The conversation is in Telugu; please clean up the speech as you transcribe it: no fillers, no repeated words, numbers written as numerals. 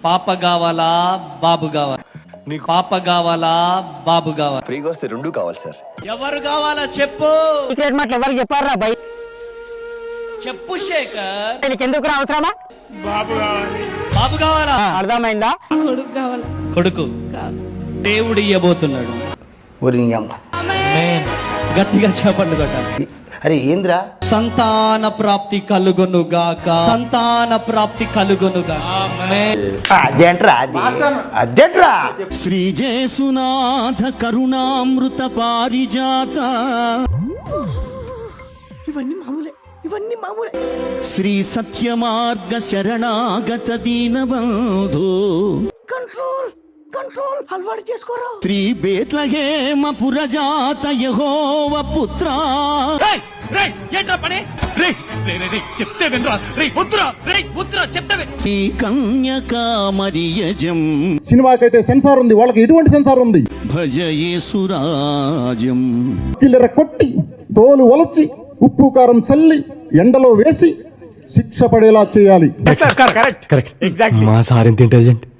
పాప కావాలా బాబు కావాలా? నీకు పాప కావాలా బాబు కావాలా? ఫ్రీగా వస్తే రెండు కావాలి సార్. ఎవరు కావాలా చెప్పు. సీక్రెట్ మాటలు ఎవరికి చెప్పారా భయ్? చెప్పు శేఖర్. నీకు ఎందుకు అవసరమా? బాబు కావాలా? అర్థమైందా? కొడుకు కావాలి. కొడుకు దేవుడు ఇయ్యబోతున్నాడు. గట్టిగా చెప్పండి కొట్టాలి. అరే ఏంద్రా? సంతాన ప్రాప్తి కలుగునుగాక. సంతాన ప్రాప్తి కలుగునుగాక. అదేంట్రా? అదేంట్రా? శ్రీ జేసునాథ కరుణామృత పారిజాత. ఇవన్నీ మామూలే. శ్రీ సత్యమార్గ శరణాగత దీనబంధు. కంట్రోల్ అలవాటు చేసుకోరా. శ్రీ బేత్లహేమ పురజాత యెహోవ పుత్ర. శ్రీ కన్యకా మరియజం. సినిమాకైతే సెన్సార్ ఉంది, వాళ్ళకి ఎటువంటి సెన్సార్ ఉంది? భజ యేసురాజం. కిల్లెర కొట్టి తోలు వలచి ఉప్పు కారం చల్లి ఎండలో వేసి శిక్ష పడేలా చేయాలి. మా సార్ ఎంత ఇంటెలిజెంట్.